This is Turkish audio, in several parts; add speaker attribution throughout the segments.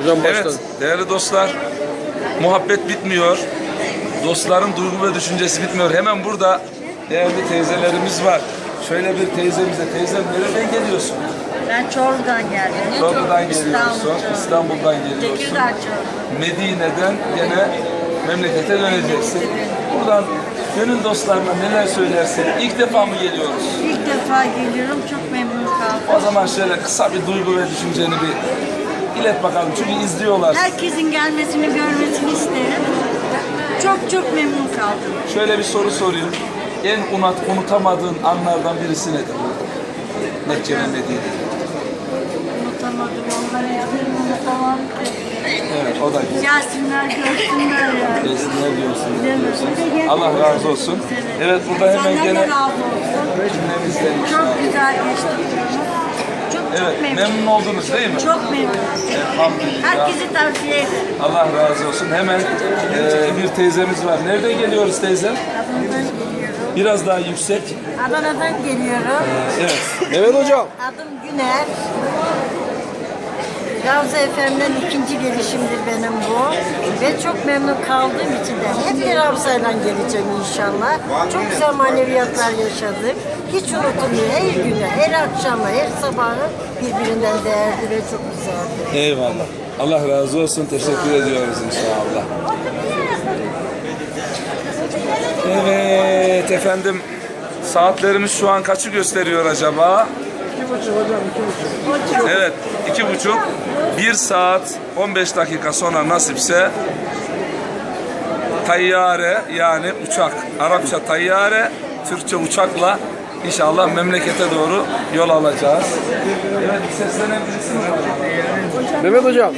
Speaker 1: Evet değerli dostlar, muhabbet bitmiyor. Dostların duygu ve düşüncesi bitmiyor. Hemen burada değerli teyzelerimiz var. Şöyle bir teyzemize, teyzem nereden geliyorsun?
Speaker 2: Ben Çorlu'dan geldim.
Speaker 1: Çorlu'dan geliyorsun, İstanbul'dan geliyorsun.
Speaker 2: Tekirdağ Çorlu.
Speaker 1: Medine'den gene memlekete döneceksin. Buradan gönül dostlarına neler söylersin? İlk defa mı geliyoruz?
Speaker 2: İlk defa geliyorum. Çok memnun kaldım.
Speaker 1: O zaman şöyle kısa bir duygu ve düşünceni bir ilet bakalım. Çünkü izliyorlar.
Speaker 2: Herkesin gelmesini, görmesini isterim. Çok memnun kaldım.
Speaker 1: Şöyle bir soru sorayım. En unutamadığın anlardan birisi nedir? Mekke ve Medine'de.
Speaker 2: Unutamadım. Onları hiçbirini unutamam ki.
Speaker 1: Evet, o da güzel.
Speaker 2: Gelsinler, görsünler yani.
Speaker 1: Gelsinler diyorsun.
Speaker 2: Değil mi?
Speaker 1: Allah razı olsun. Evet, burada hemen
Speaker 2: Senden
Speaker 1: gene
Speaker 2: de razı olsun.
Speaker 1: cümlemizden
Speaker 2: Çok güzel geçti. Çok
Speaker 1: Evet,
Speaker 2: memnun.
Speaker 1: memnun oldunuz değil mi?
Speaker 2: Çok memnun.
Speaker 1: Elhamdülillah.
Speaker 2: Herkesi tavsiye ederim.
Speaker 1: Allah razı olsun. Hemen bir teyzemiz var. Nereden geliyoruz teyze?
Speaker 2: Adana'dan geliyorum.
Speaker 1: Biraz daha yüksek.
Speaker 2: Adana'dan geliyorum.
Speaker 1: Evet.
Speaker 3: Evet hocam.
Speaker 2: Adım Güner. Ravza FM'den ikinci gelişimdir benim bu. Ve çok memnun kaldığım için de hep bir Ravza'yla geleceğim inşallah. Çok güzel maneviyatlar yaşadık. Hiç unutulmuyor. Her günü, her akşamı, her sabahı birbirinden değerli ve çok güzeldi.
Speaker 1: Eyvallah. Allah razı olsun. Teşekkür ediyoruz inşallah. Evet efendim. Saatlerimiz şu an kaçı gösteriyor acaba?
Speaker 3: 2,5 hocam 2,5.
Speaker 1: Evet, 2,5. 1 saat 15 dakika sonra nasipse tayyare yani uçak. Arapça tayyare, Türkçe uçakla inşallah memlekete doğru yol alacağız. Evet, seslenen birisi mi var?
Speaker 3: Mehmet hocam.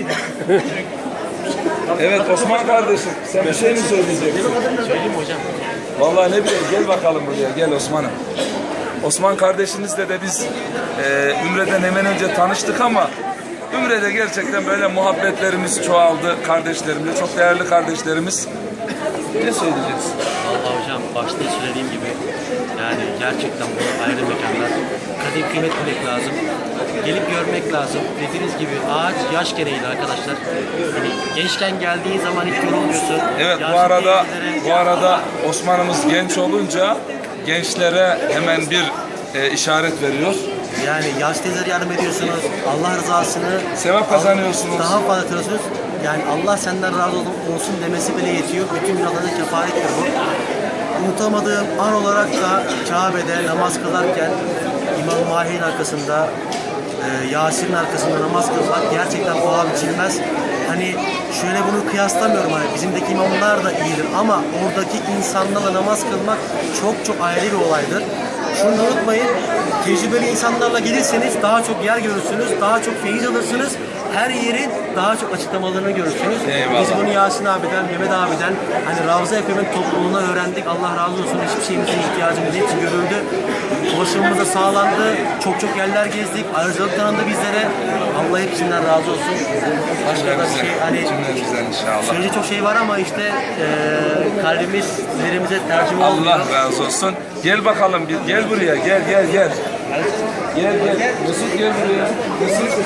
Speaker 1: Evet Osman kardeşim, sen bir şey mi söyleyeceksin?
Speaker 4: Söyleyeyim mi hocam?
Speaker 1: Vallahi ne bileyim, gel bakalım buraya, gel Osman'ım. Osman kardeşinizle de biz Ümre'den hemen önce tanıştık ama Ümre'de gerçekten böyle muhabbetlerimiz çoğaldı kardeşlerimle. Çok değerli kardeşlerimiz. Ne söyleyeceğiz?
Speaker 4: Vallahi hocam başta söylediğim gibi yani gerçekten bu ayrı mekanlar. Kadim kıymet bilmek lazım. Gelip görmek lazım. Dediğiniz gibi ağaç yaş gereğiyle arkadaşlar. Hani gençken geldiğin zaman hiç yorulmuyorsun.
Speaker 1: Evet bu arada Osman'ımız genç olunca gençlere hemen bir işaret veriyor.
Speaker 4: Yani yaş teyzelere yardım ediyorsunuz. Allah rızasını
Speaker 1: Sevap kazanıyorsunuz.
Speaker 4: daha fazla atıyorsunuz. Yani Allah senden razı olsun demesi bile yetiyor. Bütün günahlarına kefarettir bu. Unutamadığım an olarak da Kabe'de namaz kılarken İmam Mahir'in arkasında Yasin'in arkasında namaz kılmak gerçekten paha biçilmez. Hani şöyle bunu kıyaslamıyorum, hani bizimdeki imamlar da iyidir ama oradaki insanlarla namaz kılmak çok ayrı bir olaydır. Şunu unutmayın, tecrübeli insanlarla gelirseniz daha çok yer görürsünüz, daha çok feyiz alırsınız. Her yerin daha çok açıklamalarını görürsünüz.
Speaker 1: Eyvallah.
Speaker 4: Biz bunu Yasin abiden, Mehmet abiden, hani Ravza FM'in topluluğuna öğrendik. Allah razı olsun. Hiçbir şeyimizin ihtiyacımız hepsi görüldü. Ulaşımımız da sağlandı. Çok yerler gezdik. Ayrıcalık tanındı bizlere. Allah hepsinden razı olsun. Başka da bir şey hani
Speaker 1: Cümlemizden inşallah.
Speaker 4: söyleyecek çok şey var ama işte kalbimiz dillerimize tercüme olmuyor.
Speaker 1: Allah razı olsun. Gel bakalım, gel buraya, gel. Gel. Mesut gel buraya. Mesut.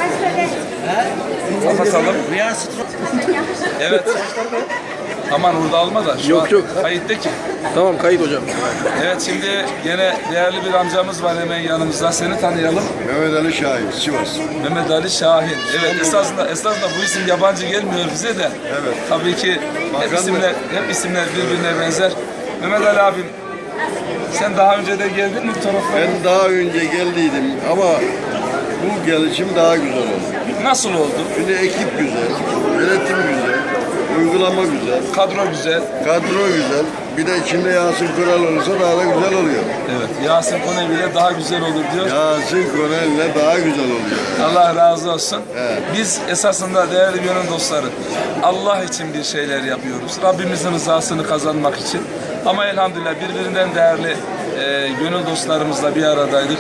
Speaker 1: Kapatalım. Evet. Aman orada alma da. Şu
Speaker 3: Yok,
Speaker 1: an
Speaker 3: yok.
Speaker 1: kayıtta ki.
Speaker 3: Tamam kayıt hocam.
Speaker 1: Evet şimdi gene değerli bir amcamız var hemen yanımızda. Seni tanıyalım.
Speaker 5: Mehmet Ali Şahin, Sivas.
Speaker 1: Mehmet Ali Şahin. Evet esasında bu isim yabancı gelmiyor bize de.
Speaker 5: Evet.
Speaker 1: Tabii ki hep
Speaker 5: Bakanlık.
Speaker 1: isimler birbirine benzer. Mehmet Ali abim sen daha önce de geldin mi bu taraflara?
Speaker 5: Ben daha önce geldiydim ama bu gelişim daha güzel oldu.
Speaker 1: Nasıl oldu?
Speaker 5: Şimdi ekip güzel, yönetim güzel, uygulama güzel,
Speaker 1: Kadro güzel.
Speaker 5: kadro güzel. Bir de içinde Yasin Kural olursa daha da güzel oluyor.
Speaker 1: Evet. Yasin Konevi ile daha güzel olur diyor.
Speaker 5: Yasin Kural'le daha güzel oluyor.
Speaker 1: Allah razı olsun.
Speaker 5: Evet.
Speaker 1: Biz esasında değerli gönül dostları Allah için bir şeyler yapıyoruz. Rabbimizin rızasını kazanmak için. Ama elhamdülillah birbirinden değerli gönül dostlarımızla bir aradaydık.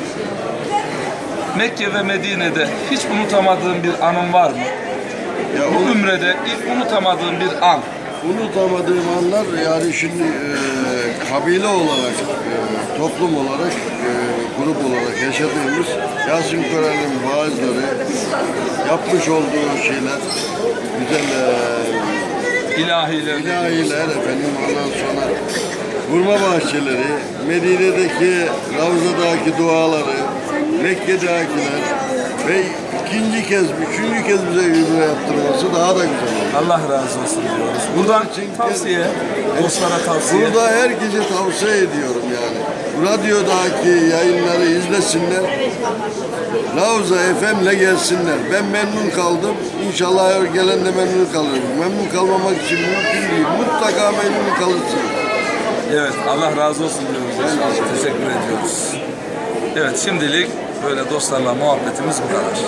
Speaker 1: Mekke ve Medine'de hiç unutamadığın bir anın var mı?
Speaker 5: Ya
Speaker 1: Bu ümrede ilk unutamadığın bir an.
Speaker 5: unutamadığım anlar yani şimdi kabile olarak, toplum olarak, grup olarak yaşadığımız Yasin Kural'ın vaazları, yapmış olduğu şeyler güzel
Speaker 1: İlahiler.
Speaker 5: ilahiler efendim, ondan sonra hurma bahçeleri, Medine'deki Ravza'daki duaları, Mekke'dekiler ve ikinci kez, üçüncü kez bize ümre yaptırması daha da güzel oldu.
Speaker 1: Allah razı olsun diyoruz. Buradan tavsiye, dostlara tavsiye.
Speaker 5: Burada herkese tavsiye ediyorum yani. Radyodaki yayınları izlesinler. Ravza FM'le gelsinler. Ben memnun kaldım. İnşallah her gelen de memnun kalır. Memnun kalmamak için mümkün değil. Mutlaka memnun kalırsınız.
Speaker 1: Evet, Allah razı olsun diyoruz. Teşekkür ediyoruz. Evet, şimdilik böyle dostlarla muhabbetimiz bu kadar.